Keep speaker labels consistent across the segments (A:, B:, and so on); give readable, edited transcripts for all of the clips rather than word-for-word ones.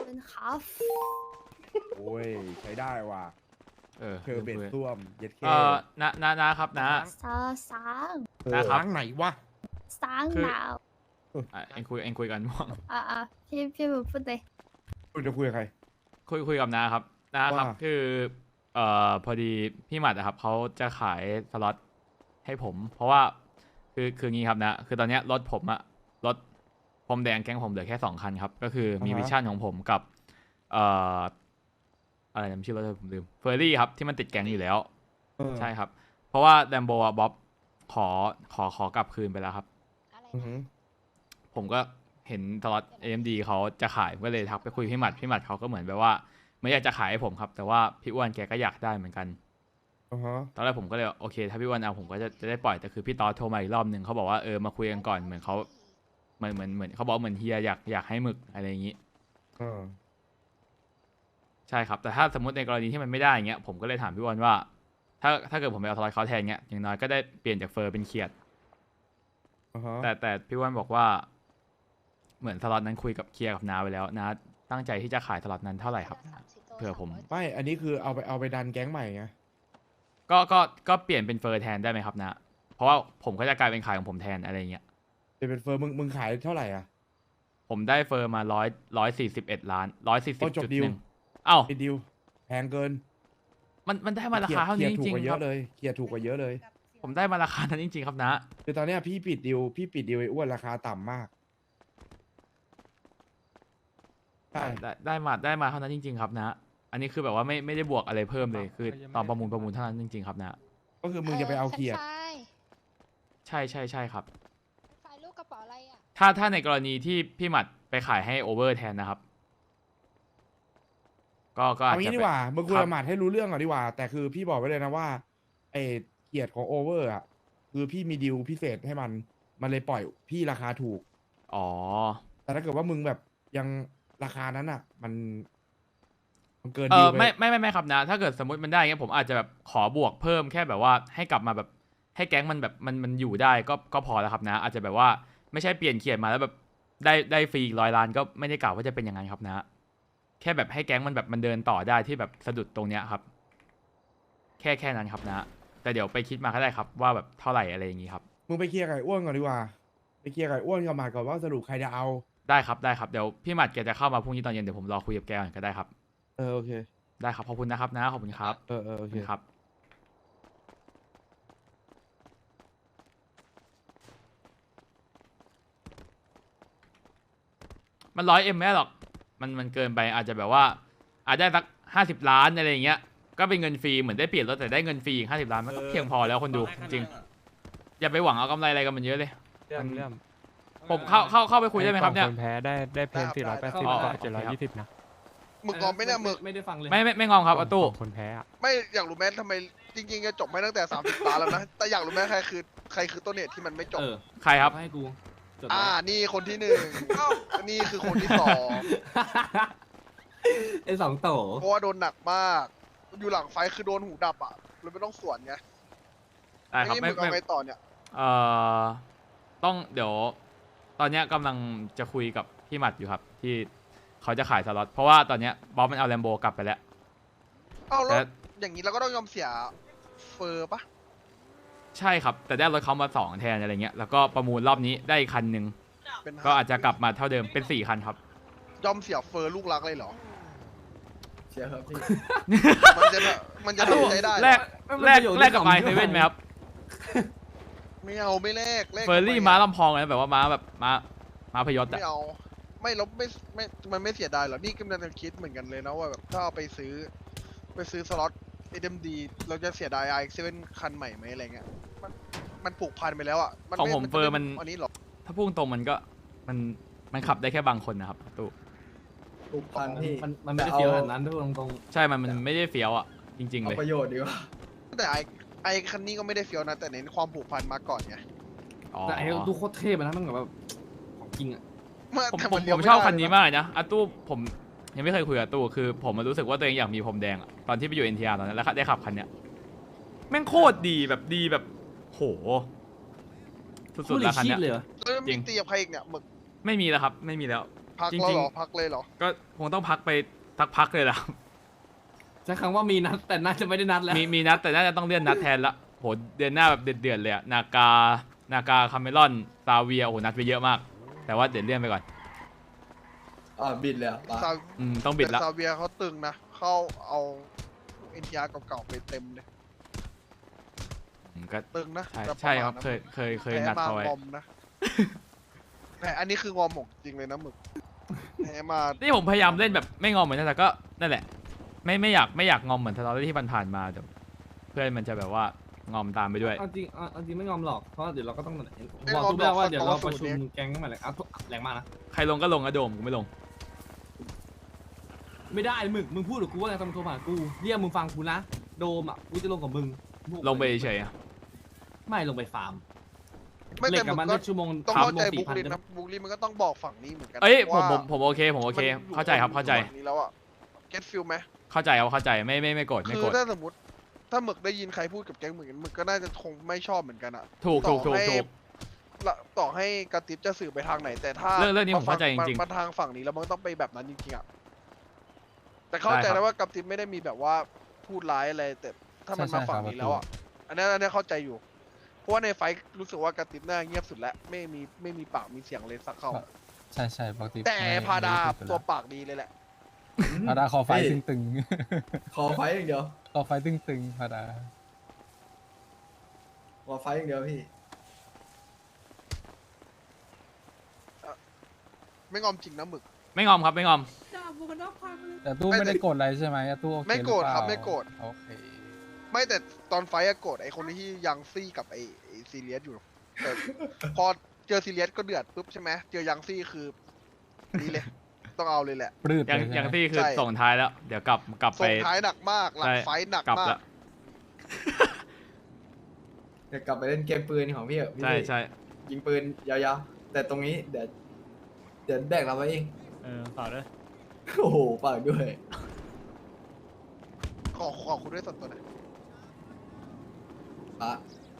A: นครับ
B: โอ้ยใช้ได้ว่ะเธอเบ็ดส้วมเย็ดเค
C: นะครับนะ
A: ซาสาง
C: นะครับ
B: ทางไหนวะ
A: สาง
C: คือ
A: ดาว
C: เอ็งคุยกันม่วง
A: พี่หมูพูดเลย
B: คุณจะคุยกับใคร
C: คุยกับนะครับนะครับ
B: ว่า
C: คือพอดีพี่หมัดนะครับเขาจะขายสล็อตให้ผม เพราะว่าคืองี้ครับนะคือตอนเนี้ยรถผมอะรถพรมแดงแก๊งผมเหลือแค่2 คันครับก็คือมีวิชั่นของผมกับอะไรนะชื่อรถผมลืมเฟอร์รี่ครับที่มันติดแก๊งอยู่แล้ว ใช่ครับ เพราะว่าแดมโบอะบ๊อบขอกลับคืนไปแล้วครับ
B: อือหือ
C: ผมก็เห็นสล็อต AMD เขาจะขายก็เลยทักไปคุยพี่หมัดเขาก็เหมือนแบบว่าไม่อยากจะขายให้ผมครับ แต่ว่าพี่อ้วนแกก็อยากได้เหมือนกัน
B: อือฮะ
C: ตอนแรกผมก็เลยโอเค ถ้าพี่อ้วนเอาผมก็จะได้ปล่อยแต่คือพี่ตอสโทรมาอีกรอบหนึ่งเขาบอกว่ามาคุยกันก่อนเหมือนเขาเหมือนเขาบอกเหมือนเฮียอยากให้หมึกอะไรอย่างนี้ ใช่ครับแต่ถ้าสมมติในกรณีที่มันไม่ได้อย่างเงี้ยผมก็เลยถามพี่อ้วนว่า ถ้าเกิดผมไปเอาสล็อตเขาแทนเงี้ยอย่างน้อยก็ได้เปลี่ยนจากเฟอร์เป็นเขียด
B: อือฮะ
C: แต่พี่อ้วนบอกว่า เหมือนสล็อตนั้นคุยกับเคลียร์กับนาไปแล้วนะตั้งใจที่จะขายสล็อตนั้นเท่าไหร่ครับเผื่อผม
B: ไม่อันนี้คือเอาไปดันแก๊งใหม่ไง
C: ก็เปลี่ยนเป็นเฟอร์แทนได้ไหมครับนะ เพราะว่าผมก็จะกลายเป็นขายของผมแทนอะไรเงี้ย
B: เป็นเฟอร์มึงขายเท่าไหร่อ่ะ
C: ผมได้เฟอร์มา141 ล้าน140.1เอ้า
B: ปิดดิวแพงเกิน
C: มันได้มาราคาเท่านี้จริง
B: เคลีย
C: ๆ
B: ถูกกว่าเย
C: ครั
B: อะ
C: บ
B: เลยเคลียร์ถูกกว่าเยอะเลย
C: ผมได้มาราคานั้นจริงๆครับนะ
B: คือตอนเนี้ยพี่ปิดดิวไอ้อ้วนราคาต่ำมากใช่
C: ได้มาเท่านั้นจริง ๆ ครับนะ อันนี้คือแบบว่าไม่ได้บวกอะไรเพิ่มเลยคือตอนประมูลเท่านั้นจริงๆครับนะ
B: ก็คือมึงจะไปเอาเคลียร์
C: ใช่ครับ
D: ขายลูกกระเป๋าอะไรอ่ะ
C: ถ้าในกรณีที่พี่หมัดไปขายให้โอเวอร์แทนนะครับ ก็อาจ
B: เอางี้
C: จะ
B: ดีกว่ามึงคุย
C: ครั
B: กั
C: บบ
B: หมัดให้รู้เรื่องก่อนดีกว่า แต่คือพี่บอกไว้เลยนะว่าไอ้เกียรติของโอเวอร์อ่ะคือพี่มีดีลพิเศษให้มันเลยปล่อยพี่ราคาถูก
C: อ๋อ
B: แต่ถ้าเกิดว่ามึงแบบยังราคานั้นอ่ะ มันเกินดีลไป
C: ไม่ครับนะ ถ้าเกิดสมมติมันได้เงี้ยผมอาจจะแบบขอบวกเพิ่มแค่แบบว่าให้กลับมาแบบให้แก๊งมันแบบมันอยู่ได้ก็พอแล้วครับนะ อาจจะแบบว่าไม่ใช่เปลี่ยนเขียนมาแล้วแบบได้ฟรี100 ล้านก็ไม่ได้กล่าวว่าจะเป็นอย่างนั้นครับนะ แค่แบบให้แก๊งมันแบบมันเดินต่อได้ที่แบบสะดุดตรงเนี้ยครับ แค่นั้นครับนะ แต่เดี๋ยวไปคิดมาก็ได้ครับว่าแบบเท่าไหร่อะไรอย่างงี้ครับ
B: มึงไปเคลียร์ไก่อ้วนก่อนดีกว่าไปเคลียร์ไก่อ้วนกับหมัดก่อนว่าสรุปใครจะเอา
C: ได้ครับเดี๋ยวพี่หมัดแกจะเข้ามาพรุ่งนี้ตอนเย็นเดี๋ยวผมรอคุยกับแกก่อนก็ได้ครับ
B: โอเค
C: ได้ครับขอบคุณนะครับนะขอบคุณครับ
B: โอ
C: ขอบ
B: เค
C: คุณครับ มัน100Mไม่ได้หรอกมันเกินไปอาจจะแบบว่า อาจได้สัก50 ล้านอะไรอย่างเงี้ยก็เป็นเงินฟรีเหมือนได้เปลี่ยนรถแต่ได้เงินฟรีอีก50 ล้านมันก็เพียงพอแล้วคนดูจริงๆอย่าไปหวังเอากำไรอะไรกันมันเยอะเลย
E: เรื่อง
C: ผมเข้าไปคุยได้ไหมครับเนี่ย
E: คนแพ้ได้เพน480
C: อ๋อ
E: กับ720นะ
F: หมึกงอมไหม่เนี่ยหมึก
G: ไม่ได้ฟังเลย
C: ไม่งอมครับอาตู้
E: คนแพ้อะ
F: ไม่อยากรู้แม้ทำไมจริงๆจะจบไม่ตั้งแต่30 ตาแล้วนะ แต่อยากรู้แม้ใครคือต้นเหตุที่มันไม่จบ
C: ใครครับ
G: ให้กูจด
F: นี่คนที่1นี่คือคนที่2
G: ไอ้2 โต
F: เพราะว่าโดนหนักมาก อยู่หลังไฟคือโดนหูดับอ่ะเลยไม่ต้องสวนไง
C: ได้ครับ
F: นี่หมึกเอาไงต่อเนี่ย
C: ต้องเดี๋ยวตอนเนี้ยกำลังจะคุยกับพี่หมัดอยู่ครับที่เขาจะขายสล็อตเพราะว่าตอนเนี้ยบ๊อบมันเอาแลมโบกลับไปแล้ว
F: เอาแล้ว
C: แต่
F: อย่างนี้เราก็ต้องยอมเสียเฟอร์ปะ
C: ใช่ครับแต่ได้รถเขามา2 แทนอะไรเงี้ยแล้วก็ประมูลรอบนี้ได้อีกคันหนึ่ง
F: เป็น
C: ก็อาจจะกลับมาเท่าเดิมเป็น4 คันครับ
F: ยอมเสียเฟอร์ลูกรักเลยเหรอ
G: เชียร์ครับพี่
F: มันจะทำใจได้เหรอ
C: แลกกับไมเซเว่นไหมครับ
F: ไม่เอาไม่แลก
C: เฟอร์รี่ม้าลำพองนะแบบว่าม้าแบบม้าพยศอะ
F: ไม่เอาไม่ลบไม่มันไม่เสียดายหรอนี่กำลังจะคิดเหมือนกันเลยนะว่าแบบถ้าเอาไปซื้อสล็อต SMD เราจะเสียดาย i7 คันใหม่ไหมอะไรเงี้ยมันผูกพันไปแล้วอ่ะ
C: ของผมเฟอร์มัน
F: อันนี้หรอ
C: ถ้าพูดตรงมันก็มันขับได้แค่บางคนนะครับตู้
G: ผูกพันพี่มันไม่ได้เฟี้ยวขนาดนั้นทุกตรง
C: ใช่มันไม่ได้เฟี้ยวอะจริงๆเลย
G: ประโยชน์ดีกว่า
F: แต่ไอคันนี้ก็ไม่ได้เฟี้ยวนะแต่เน้นความผูกพันมาก่อนไง
C: อ๋อ
G: แต่ไอ้ดูโคตรเท่ไปนะมันแบบของจริงอ่ะ
C: ผม
F: แต่
C: ผ
F: น
C: ม
F: เลี้ยว
C: ผม
F: ไได้
C: ชอบคันนี้มากเลยนะอาตู้ผมยังไม่เคยคุยกับตู้คือผมรู้สึกว่าตัวเองอยากมีพรมแดงอะตอนที่ไปอยู่ NTR ตอนนั้นแล้วได้ขับคันเนี้ยแม่งโคตรดีแบบโหสุดๆแล้วคันเนี้ย
G: เลยเหรอ
F: แล้ว
C: จริ
F: มี
C: ง
F: ตีกับใครอีกเนี่ยหมึก
C: ไม่มีแล้วครับไม่มีแล้ว
F: พัก
C: จริ
F: แล้ว
C: ง
F: เหรอ
C: ๆ
F: พักเลยเหรอ
C: ก็คงต้องพักไปสักพักเลยล่ะ
G: ใช้คำว่ามีนัดแต่น่าจะไม่ได้นัดแล้ว
C: มีนัดแต่น่าจะต้องเลื่อนนัดแทนละโหเดือนหน้าแบบเดือดๆเลยอะนากาคาเมลอนซาเวียโอ้โหนัดไปเยอะมาก แต่ว่าเดี๋ยวเลื่อนไปก่อน
G: บิดเลยอ่ะ
F: ซา
C: ต้องบิดละ
F: แต่ซาเวียเขาตึงนะเขาเอาเอ็นทีอาร์เก่าๆไปเต็มเลย
C: ก็
F: ตึงนะ
C: ใช่
F: แต่ปะ
C: ใช่
F: มาณ
C: ครับ
F: นั้น
C: เคยนัดเขาไว้
F: แพ้มงอมนะ แต่อันนี้คืองอมหมกจริงเลยนะหมึกแพ้มา
C: นี่ผมพยายามเล่นแบบไม่งอมเหมือนกันแต่ก็นั่นแหละ ไม่อยากงอมเหมือนทะเลาะที่ผ่านๆมาแต่เพื่อนมันจะแบบว่างอมตามไปด้วย
G: เอาจริงไม่งอมหรอกเพราะเดี๋ยวเราก็ต้องบอกทุกเรื่องว่าเดี๋ยวเราประชุมแก๊งกันใหม่เลยแรงมากนะ
C: ใครลงก็ลงอะโดมกูไม่ลง
G: ไม่ได้มึงพูดหรือกูว่าอะไรทำโทรมากูเรียกมึงฟังกูนะโดมอ่ะกูจะลงกับมึง
C: ลงไปเฉยๆอะ
G: ไม่ลงไปฟาร์ม
F: ไม่
G: เหล็
F: แต่
G: กกับ
F: มึ
G: มัน
F: กก็
G: ได้ชั่วโมง
F: ต้อง
G: ชั่
F: เข้าว
G: โม
F: ใจ
G: ง
F: บุกลิน
G: 4,000
F: นะบุกลินมันก็ต้องบอกฝั่งนี้เหมือนกั
C: เอ้ยผม
F: ว่า
C: ผมโอเคเข้าใจครับเข้าใจ
F: ฝั่งนี้แล้วอะเก็ตฟิลไหม
C: เข้าใจครับเข้าใจไม่โกรธไม่
F: คื
C: โกร
F: อ
C: ธ
F: ถ้าสมมติถ้าหมึกได้ยินใครพูดกับแก๊งหมึกหมึกก็น่าจะคงไม่ชอบเหมือนกันอะ
C: ถูก
F: ต่อให้กระติบจะสื่อไปทางไหน แต่ถ้า
C: เรื่องนี้ผมเข้าใจจริงๆ
F: มาทางฝั่งนี้แล้วมันต้องไปแบบนั้นจริงๆอะแต่เข้าใจ
C: ได้ครับ
F: นะว่ากระติบไม่ได้มีแบบว่าพูดร้ายอะไรแต่ถ้ามันมาฝั่งนี้แล้วอะอันนี้เข้าใจอยู่ เพราะว่าในไฟท์รู้สึกว่ากระติบน่าเงียบสุดแล้วไม่มีปากมีเสียงเลยสักค
H: ใช่ปกติ
F: ำแต่
H: ไม่
F: พาดา
H: ไม่ได้
F: ตัวปากดีเลยแหละ
H: พาดาคอไฟตึง
G: ขอไฟอย่างเดียว
H: ๆคอไฟตึงๆพาดา
G: ขอไฟอย่างเดียวพี่
F: ไม่งอมจริงนะหมึก
C: ไม่งอมครับไม่งอม
H: แต่ตู้ไม่ได้โกรธอะไรใช่ไหมตู้โอเค
F: ไม่โกรธ
H: หอเปล่า
F: ครับไม่โกรธ
H: โอเค
F: ไม่แต่ตอนไฟท์อะโกรธไอคนที่ยังซี่กับไอซีเรียสอยู่แต่พอเจอซีเรียสก็เดือดปุ๊บใช่ไหมเจอยังซี่คือนี่เลย ต้องเอาเลยแหละ
H: ปลื้ด
C: อย่าง
H: เลยใช่ไหม
C: ที่คือ
F: ใช่
C: ส่งท้ายแล้ว เดี๋ยวกลับไป
F: ส่งท้ายหนักมากหลัง
C: ใช่
F: ไฟท์หนัก
C: กลับ
F: มา
C: แล้
F: ก
C: ว
G: เดี๋ยวกลับไปเล่นเกมปืนของพี่เหรอพี่
C: ใช่
G: ยิงปืนยาวๆแต่ตรงนี้เดี๋ยวแบกเราไว้เอง
E: ต่อเลย
G: โอ้โหปากด้วย
F: ขอคุณด้วยส่วนตัวหนะ
G: อ่ะ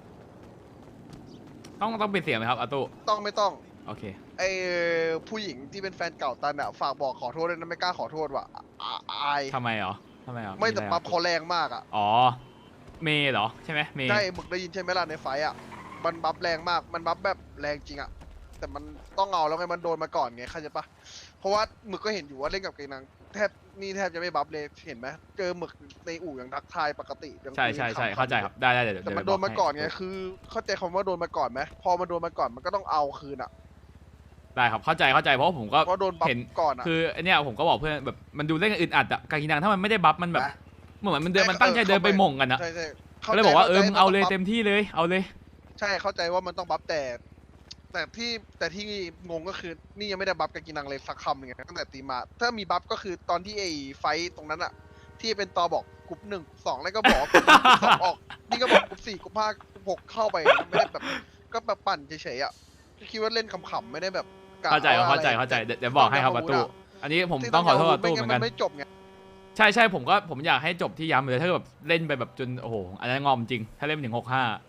C: ต้องปิดเสียงไหมครับอาตุ
F: ต้องไม่ต้อง
C: โอเค
F: ไอผู้หญิงที่เป็นแฟนเก่าตันอะฝากบอกขอโทษด้วยนะไม่กล้าขอโทษว่ะอาย
C: ทำไมเหรอ
F: ไม่แต่
C: อะร
F: ปั๊บเขาแรงมากอะ
C: อ๋อเมย์เหรอใช่ไหมเมย์
F: ใช่หมึกได้ยินใช่ไหมล่ะในไฟท์อะมันบัฟแรงมากมันบัฟแบบแรงจริงอะแต่มันต้องเอาแล้วไงมันโดนมาก่อนไงเข้าใจปะเพราะว่าหมึกก็เห็นอยู่ว่าเล่นกับเกนังแทบจะไม่บัฟเลยเห็นไหมเจอหมึกในอู่ยังทักทายปกติยัง
C: ใช่
F: คุยกันขำๆ
C: เข้าใจครับได้เดี๋ยว
F: แต่มัน
C: ไป
F: โดนมาก่อนไง
C: ให้
F: คือ เข้าใจคำว่าโดนมาก่อนไหมพอมันโดนมาก่อนมันก็ต้องเอาคืนอ่ะ
C: ได้ครับเข้าใจเพราะว่าผมก็
F: เพราะโดนบัฟ
C: เห็น
F: ก่อนอ่ะ
C: คือไอเนี้ยผมก็บอกเพื่อนแบบมันดูเล่นกันอึดอัดอะกากินังถ้ามันไม่ได้บัฟมันแบบเหมือนมันเดินมันตั้งใจเดินไปหม่งกันอะ
F: ใช่
C: ก็เลยบอกว่ามึงเอาเลย
F: ข้ใจ
C: เต็มที่เลยเอาเลย
F: ใช่เข้าใจว่ามันต้องบัฟแต่ที่งงก็คือนี่ยังไม่ได้บัฟกากินังเลยสักคำหนึงไงตั้งแต่ตีมา ถ้ามีบัฟก็คือตอนที่ไอ้ไฟท์ตรงนั้นอ่ะ ที่เป็นตอบอกกรุ๊ป1 2แล้วก็บอกกรุ๊ป2ออกนี่ก็บอกกรุ๊ป4กรุ๊ป5กรุ๊ป6เข้าไปไม่ได้แบบก็แบบปั่นเฉยๆอ่ะคิดว่าเล่นขำๆไม่ได้แบบกะ
C: เข้าใจ
F: ว่
C: เข้าใจ
F: อะไร
C: เดี๋ยวบอกให้ครับประตูอันนี้ผมต้องขอโทษประตูเหมือนกัน
F: ไม่จบไง
C: ใช่ผมอยากให้จบที่ย้ำเลยถ้าแบบเล่นไปแบบจนโอ้โหอันนั้นงอมจริง ถ้าเล่นไปถึง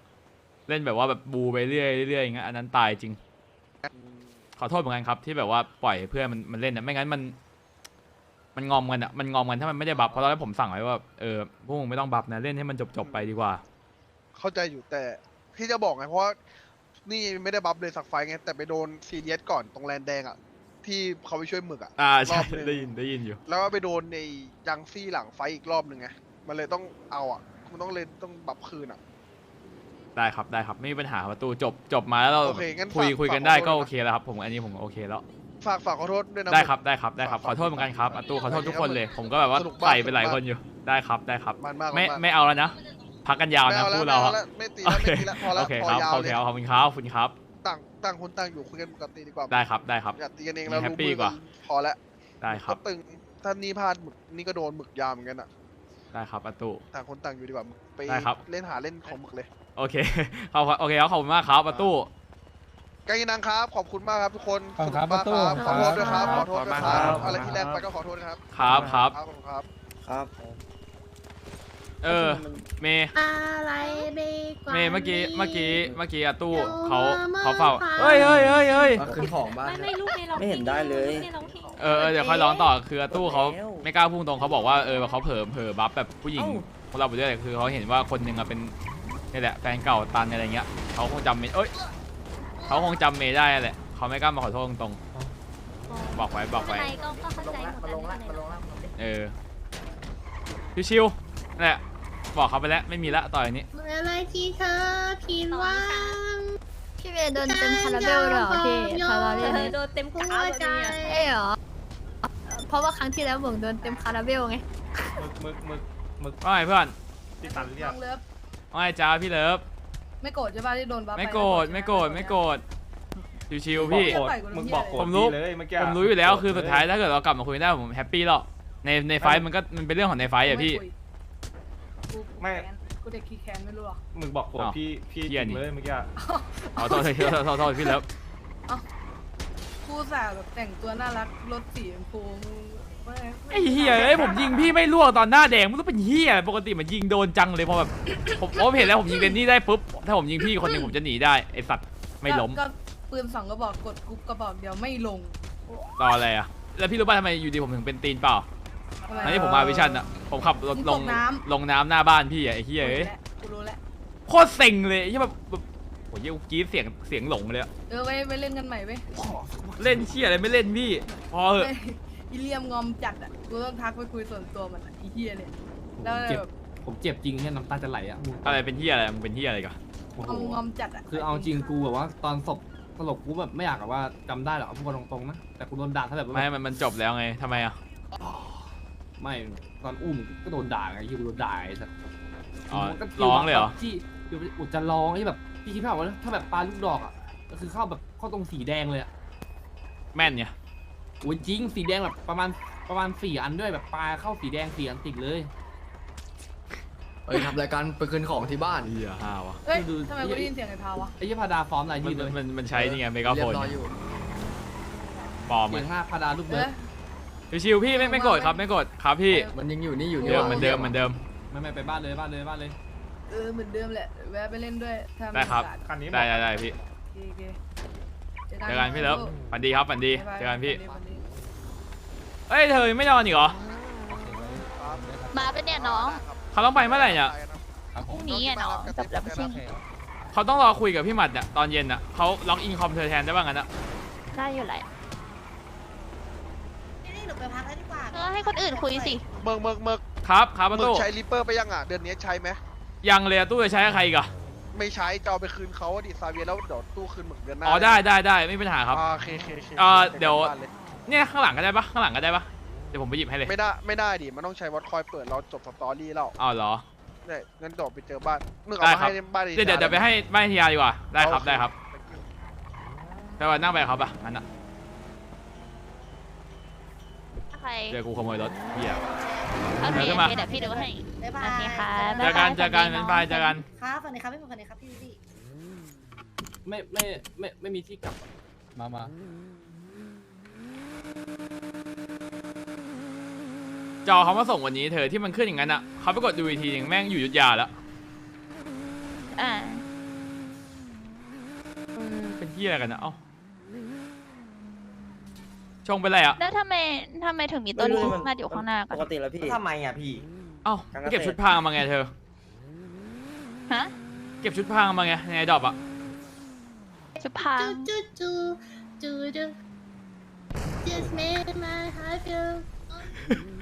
C: 65เล่นแบบว่าแบบบูไปเรื่อยอย่างเงี้ยอันนั้นตายจริง ขอโทษเหมือนกันครับที่แบบว่าปล่อยเพื่อนมันเล่นนะไม่งั้นมันงอมกันอะมันงอมกันถ้ามันไม่ได้บัฟเพราะตอนแรกผมสั่งไว้ว่าพวกมึงไม่ต้องบัฟนะเล่นให้มันจบไปดีกว่า
F: เข้าใจอยู่แต่ที่จะบอกไงเพราะว่านี่ไม่ได้บัฟเลยสักไฟไงแต่ไปโดนซีเรียสก่อนตรงแลนแดงอ่ะที่เขาไปช่วยหมึกอ่ะ
C: ใช่
F: รอบหนึ่ง
C: ได้ยินอยู่
F: แล้วก็ไปโดนในยังซี่หลังไฟอีกรอบหนึ่งไงมันเลยต้องเอาอ่ะมันต้องเล่นต้องบัฟคืนอ่ะ
C: ได้ครับไม่มีปัญหาประตูจบมาแล้วเรา
F: โอเคงั้น
C: คุย
F: ฝาก
C: กันได้
F: ขอโทษ
C: ก็
F: นะ
C: โอเคแล้วครับผมอันนี้ผมโอเคแล้ว
F: ฝากขอโทษด้วยนะ
C: ได้ครับขอโทษเหมือนกันครับประตูขอโทษทุกคนเลย ผมก็แบบว่า
F: สนุกมาก
C: ใส่ไปหลายคนอยู่ได้ครับ
F: มันมาก
C: ไม่เอาแล้วนะพักกันยาว
F: ไม่
C: นะ
F: เอาแล้ว
C: พูดเรา
F: ไม่ตีแล้วพอแล้ว
C: โอเค
F: พอ
C: ครับ
F: ยาว
C: โอ
F: เล
C: เค
F: ย
C: ขอบคุณครับ
F: ต่างคนต่างอยู่คุยกันปกติดีกว่า
C: ได้ครับ
F: อย่าตีกันเองแล้ว
C: แฮป
F: รู้
C: ปี้
F: มือก
C: ว่า
F: พอแล้ว
C: ได้ครับ
F: ก็ตึงถ้านี่พลาดหมึกนี่ก็โดนหมึกยามเหมือนกันอ่ะ
C: ได้ครับประตู
F: ต่างคนต่างอยู่ดีกว่าไป
C: ได้ครับ
F: เล่นเล่นของหมึกเลย
C: โอเคโอเคครับขอบคุณมากครับประตู
F: กายินังครับขอบคุณมากครับทุกคน
H: ขอบคุณครับ
F: สนุกมาก
H: ประตู
F: ขอโทษด้วยครับ
H: ค
F: ข
H: รั
F: อบ โทษด้วยค
C: ขอบคุณ
F: รับ
C: มากครับ
F: อะไรที่แรงไปก็ขอโทษนะครับ
C: ครับ
F: ขอบคุณครับ
G: ครับ
C: เออเมย์
I: อะไรดีกว่า
C: เมย์เมื่อกี้อะตู้
I: เดี๋ยว
C: เขา
I: มา
C: เขาเฝ้า
I: มา
C: เฮ้ย
J: คือของบ้าน
I: ไม่ลูกไม่ร้อง
J: ไม่เห็นได้เลย
C: เดี๋ยวค่อยร้องต่อคืออะตู้เขาไม่กล้าพุ่งตรงเขาบอกว่าเขาเผลอบัฟแบบผู้หญิงของเราไปด้วยคือเขาเห็นว่าคนหนึ่งอะเป็นนี่แหละแฟนเก่าตันอะไรเงี้ยเขาคงจำเมย์เขาคงจำเมย์ได้แหละเขาไม่กล้ามาขอโทษตรงๆบอกไว้
A: ไม่เป็นไรก็เข้าใจหมดแล้ว
C: ชิวๆนั่นแหละบอกเขาไปแล้วไม่มีละต่ออย่างนี้
I: เมื่อไรที่เธอผิดหวัง
A: พี่เมย์โดนเต็มคาราเบลเลยเหรอพี่คาราเบลโดนเต็ม
I: หัวใจ
A: เหรอเพราะว่าครั้งที่แล้วผมโดนเต็มคาราเบลไง
C: ว่าไงเพื่อน
H: น้องเลิฟ
C: ว่าไงจ้าพี่เลิฟ
H: ไม่โกรธใช่ป่ะที่โดนบัฟ
C: ไม่โกรธชิวๆพี่
H: มึงบอกโกรธ
C: ผมรู้อยู่แล้วคือสุดท้ายถ้าเกิดเรากลับมาคุยได้ผมแฮปปี้แล้วในไฟท์มันเป็นเรื่องของในไฟท์อะพี่
H: ไม่กูเด็กขี้แค้นไม่รู้หรอ
E: มึงบอกโกรธพี่
C: เหี้ยนี่
E: เลยเมื่อกี้
C: เอาโทษพี่เลิฟ
H: กูสาแบบแต่งตัวน่ารักรถสีชมพูไม่
C: ไอ้เหี้ยผมยิงพี่ไม่ล่วงตอนหน้าแดงมันต้องเป็นเหี้ยปกติมันยิงโดนจังเลยพอแบบผมเห็นแล้วผมยิงเรนนี่ได้ปุ๊บถ้าผมยิงพี่คนหนึ่งผมจะหนีได้ไอสัตว์ไม่ล้ม
H: ก็ปืน2กระบอกกดกรุ๊ปกระบอกเดียวไม่ลง
C: รออะไรอะแล้วพี่รู้ป่ะทำไมอยู่ดีผมถึงเป็นตีนเปล่า
H: ทำไม
C: อันนี้ผมมาวิชั่นอะผมขับรถลงน้ำหน้าบ้านพี่อะไอ้เหี้ย
H: กูรู้แล้ว
C: โคตรเซ็งเลยที่แบบโหเยี่ยกรี๊ดเสียงหลงเลยอะ
H: ไปเล่นกันใหม่เว้ย
C: เล่นเชี่ยอะไรไม่เล่นพี่พอเหอะ
H: อีเลียมงอมจัดอ่ะกูต้องทักไปคุยส่วนตัวมันอีเฮียเนี่ยแล้วแบบ
G: ผมเจ็บจริงเนี่ยน้ำตาจะไหลอ่ะ
C: อะไรเป็นเหี้ยอะไรมึงเป็นเหี้ยอะไรกัน
G: โอ้โห
H: งอมจัดอ่ะ
G: คือเอาจริงกูแบบว่าตอนศพสลบกูแบบไม่อยากแบบว่าจำได้หรอกเอาพูดกันตรงๆนะแต่กูโดนด่าถ้าแบบว่า
C: ไม่มันจบแล้วไงทำไมอะ
G: ไม่ตอนอุ้มก็โดนด่าไงที่กูโดนด่าไอ้สัส
C: อ๋อ
G: มันก็
C: ร้องเลยเหรอ
G: ที่อยู่อุดจะร้องที่แบบพี่คิดภาพว่าถ้าแบบปลาลูกดอกอ่ะก็คือเข้าแบบเข้าตรงสีแดงเลยอ่ะ
C: แม่นเนี่ย
G: โอ้ยจริงสีแดงแบบประมาณ4 อันด้วยแบบปลาเข้าสีแดง4 อันติดเลย
J: ทำรายการไปคืนของที่บ้าน
C: เหี้ยห้าวะ
H: เฮ้ยทำไมกูได้ยินเสียงไอ้พาวะ
G: ไอ้ยี่พาดาฟอร์มอะไรยืดเลย
C: มันใช้นี่ไงเมกา
J: เรี
C: โฟ
J: ย
C: น
J: บร้อยอยู่
C: ปลอม
G: เสี
C: ไง
G: ยง5พาดาลูกเบิร์ด
C: ชิวๆพี่ไม่โกรธครับไม่โกรธครับพี่
J: มันยังอยู่นี่อยู่นี่
C: เดิมเหมือนเดิม
G: ไม่ไปบ้านเลย
H: เหมือนเดิมแหละแวะไปเล่นด้วยถ้ามี
C: ได้ครับ
H: โอกาส
E: คันนี้
C: ได้พี่
H: โอเคเจอ
C: เจอกันพี่เลิฟฝันดีครับฝันดี
H: บ๊ายบาย
C: เจอกันพี่
H: ฝัดี
C: เอ้ยเธอไม่นอนอีกเหรอ
A: มาเป็นเนี่ยน้อง
C: เขาต้องไปเมื่อไหร่เนี่ย
A: พรุ่งนี้อ่ะน้องจบแล้วไม่ใช่
C: เขาต้องรอคุยกับพี่หมัดเนี่ยตอนเย็นอ่ะเขาล็อกอินคอมเธอแทนได้บ้างกันนะ
A: ได้อยู่แหละ
I: นี่หนูไปพักแล้วดีกว่า
A: ให้คนอื่นคุยสิ
F: เมิก
C: ครับประ
F: มึ
C: ตู
F: งใช้ริปเปอร์ไปยังอ่ะเดือนนี้ใช้ไหม
C: ยังเลยอะตู้จะใช้กับใครอีกอะ
F: ไม่ใช้จะเอาไปคืนเขาอะดิซาเวียแล้วเดี๋ยวตู้คืนหมึกเดือนหน้า
C: อ๋อได้ไม่เป็นปัญหาครับ
F: โอเค
C: เดี๋ยว เนี่ยข้างหลังก็ได้ปะข้างหลังก็ได้ปะเดี๋ยวผมไปหยิบให้เลย
F: ไม่ได้ดิมันต้องใช้วัดคอยเปิดเราจบสตอรี่แล้ว
C: อ๋อเหรอ
F: เนี่ยงั้นเดี๋ยวไปเจอบ้านมึงเอา
C: ได้
F: มา
C: ครับ
F: ให้บ้าน
C: เดี๋ยวไปให้บ้านทียาดีกว่าได้ครับได้ครับแต่ว่านั่งไปครับอ่ะงั้นอะ
A: ใคร
C: เดี๋ยวกูขโมยรถเหี้ย
A: โอเค
C: เดี๋ยวมา
A: เดี๋ยวพี่ดูให้
I: บ๊ายบาย
A: โอเคค่ะ
C: เจอกันเป็นไฟเจอกัน
I: ครับฝันดีครับพี่ฝันดีครับพี่พี่
G: ไม่มีที่กลับ
E: มา
C: จอเขามาส่งวันนี้เธอที่มันขึ้นอย่างนั้นอะเขาไปกดดูอีกทีหนึงแม่งอยู่ยุทธยาแล้ว
A: อ่า
C: เป็นเหี้ยอะไรกันนะเอ้าชงเป็นไรอะ
A: แล้วทำไมถึงมีตัวนี้มาอยู่ข้างหน้ากั
J: ป
A: น
J: กติแล้วพี่ทำไมอ่ะพี่
C: เอ้าไปเก็บชุดพรางมาไงเธอ
A: ฮะ
C: เก็บชุดพรางมาไงในดอบอะ
A: ชุดพราง
I: จูจูจูจู just made my heart feel